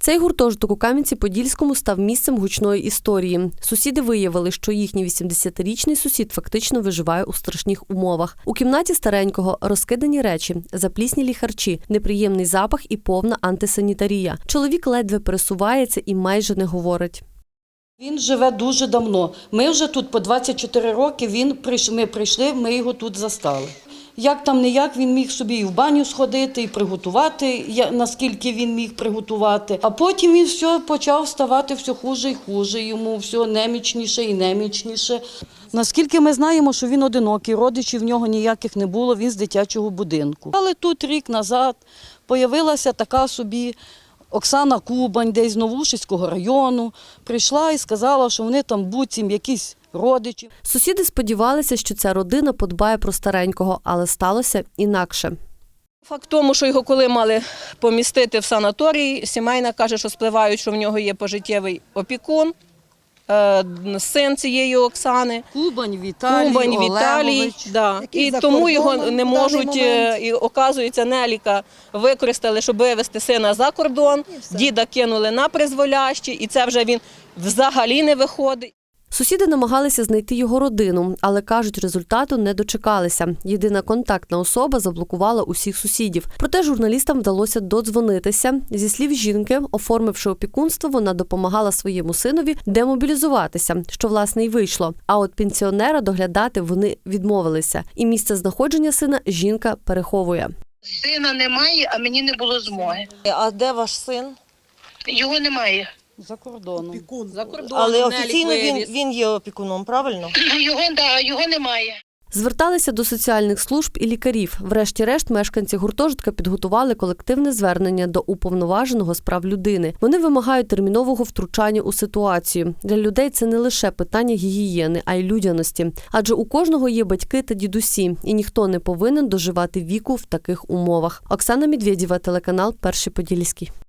Цей гуртожиток у Кам'янці-Подільському став місцем гучної історії. Сусіди виявили, що їхній 80-річний сусід фактично виживає у страшних умовах. У кімнаті старенького розкидані речі, запліснілі харчі, неприємний запах і повна антисанітарія. Чоловік ледве пересувається і майже не говорить. Він живе дуже давно. Ми вже тут по 24 роки, ми прийшли, ми його тут застали. Як там не як, він міг собі і в баню сходити, і приготувати, наскільки він міг приготувати. А потім він почав ставати все хуже і хуже, йому все немічніше і немічніше. Наскільки ми знаємо, що він одинокий, родичів в нього ніяких не було, він з дитячого будинку. Але тут рік назад появилася така собі Оксана Кубань, десь з Новушицького району, прийшла і сказала, що вони там буцім якісь родичі. Сусіди сподівалися, що ця родина подбає про старенького, але сталося інакше. Факт в тому, що його коли мали помістити в санаторій, сімейна каже, що спливають, що в нього є пожиттєвий опікун, син цієї Оксани. Кубань Віталій, да. І тому його не можуть, і оказується, Неліка використали, щоб вивезти сина за кордон, діда кинули на призволяще, і це вже він взагалі не виходить. Сусіди намагалися знайти його родину, але, кажуть, результату не дочекалися. Єдина контактна особа заблокувала усіх сусідів. Проте журналістам вдалося додзвонитися. Зі слів жінки, оформивши опікунство, вона допомагала своєму синові демобілізуватися, що, власне, й вийшло. А от пенсіонера доглядати вони відмовилися. І місце знаходження сина жінка переховує. Сина немає, а мені не було змоги. А де ваш син? Його немає. За кордоном. Але офіційно він є опікуном, правильно? Його немає. Зверталися до соціальних служб і лікарів. Врешті-решт мешканці гуртожитка підготували колективне звернення до уповноваженого з прав людини. Вони вимагають термінового втручання у ситуацію. Для людей це не лише питання гігієни, а й людяності. Адже у кожного є батьки та дідусі, і ніхто не повинен доживати віку в таких умовах. Оксана Медведєва, телеканал «Перший Подільський».